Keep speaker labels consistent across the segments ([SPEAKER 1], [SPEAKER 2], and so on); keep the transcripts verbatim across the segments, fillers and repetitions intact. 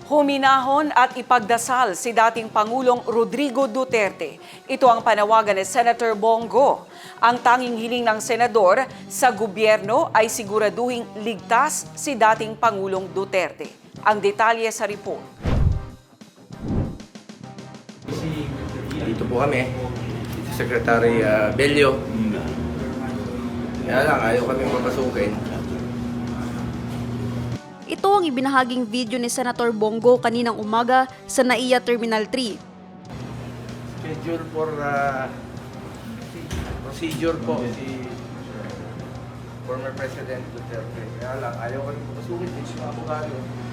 [SPEAKER 1] Huminahon at ipagdasal si dating Pangulong Rodrigo Duterte. Ito ang panawagan ni Senator Bongo. Ang tanging hiling ng senador sa gobyerno ay siguraduhing ligtas si dating Pangulong Duterte. Ang detalye sa report.
[SPEAKER 2] Dito po kami, si Secretary uh, Bello. Kaya lang, ayaw kami mapasukin.
[SPEAKER 3] Ito ang ibinahaging video ni Senator Bongo kaninang umaga sa NAIA Terminal three.
[SPEAKER 2] Schedule for uh, procedure po si former President Duterte. Kaya lang, ayaw kami mapasukin din si abogado.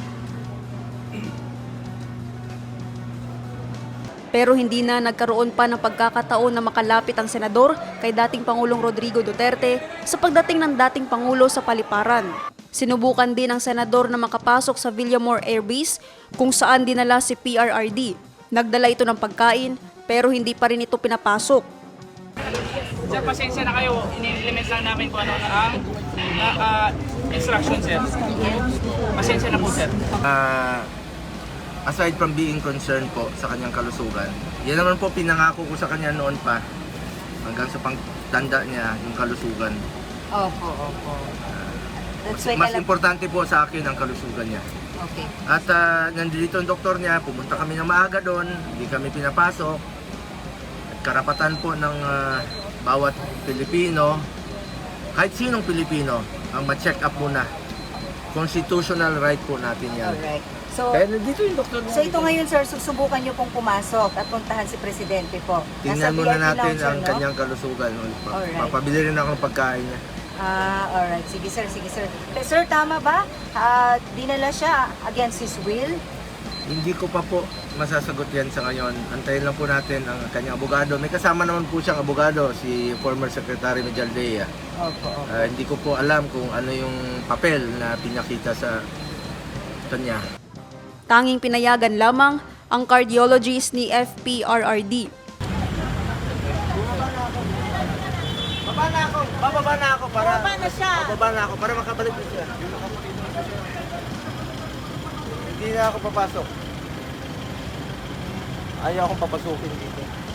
[SPEAKER 3] Pero hindi na nagkaroon pa ng pagkakataon na makalapit ang senador kay dating Pangulong Rodrigo Duterte sa pagdating ng dating Pangulo sa paliparan. Sinubukan din ng senador na makapasok sa Villamor Air Base kung saan dinala si P R R D. Nagdala ito ng pagkain pero hindi pa rin ito pinapasok.
[SPEAKER 4] Sir, pasensya na kayo. Ini-implement lang namin kung ano ang uh, instruction, sir. Pasensya na po, sir.
[SPEAKER 2] Uh, aside from being concerned po sa kanyang kalusugan, yan naman po pinangako ko sa kanya noon pa hanggang sa pagtanda niya yung kalusugan.
[SPEAKER 5] Opo, opo. That's why
[SPEAKER 2] Mas
[SPEAKER 5] kala-
[SPEAKER 2] importante po sa akin ang kalusugan niya.
[SPEAKER 5] Okay.
[SPEAKER 2] At uh, nandito ang doktor niya, pumunta kami ng maaga doon, hindi kami pinapasok. At karapatan po ng uh, bawat Pilipino, kahit sinong Pilipino, ang ma-check up muna. Constitutional right po natin yan.
[SPEAKER 5] Alright. So,
[SPEAKER 2] Kaya nandito yung doktor niya.
[SPEAKER 5] so ito ngayon, sir, susubukan niyo pong pumasok at puntahan si Presidente po.
[SPEAKER 2] Tingnan
[SPEAKER 5] Nasa
[SPEAKER 2] muna
[SPEAKER 5] V I P
[SPEAKER 2] natin
[SPEAKER 5] lounge,
[SPEAKER 2] ang
[SPEAKER 5] no?
[SPEAKER 2] kanyang kalusugan.
[SPEAKER 5] Alright.
[SPEAKER 2] Papabili rin ako ng pagkain niya.
[SPEAKER 5] Ah, alright. Sige, sir, sige, sir. Eh, sir, tama ba? Ah, dinala siya against his will?
[SPEAKER 2] Hindi ko pa po masasagot yan sa ngayon. Antayin lang po natin ang kanyang abogado. May kasama naman po siyang abogado, si former Secretary Mejaldea.
[SPEAKER 5] Opo, opo.
[SPEAKER 2] Uh, hindi ko po alam kung ano yung papel na pinakita sa kanya.
[SPEAKER 3] Tanging pinayagan lamang ang cardiologist ni F P R R D.
[SPEAKER 2] Baba na ako! Bababa na ako para... Bababa na siya! Bababa na ako para makabalik na siya. Hindi na ako papasok. Ayaw akong papasukin dito.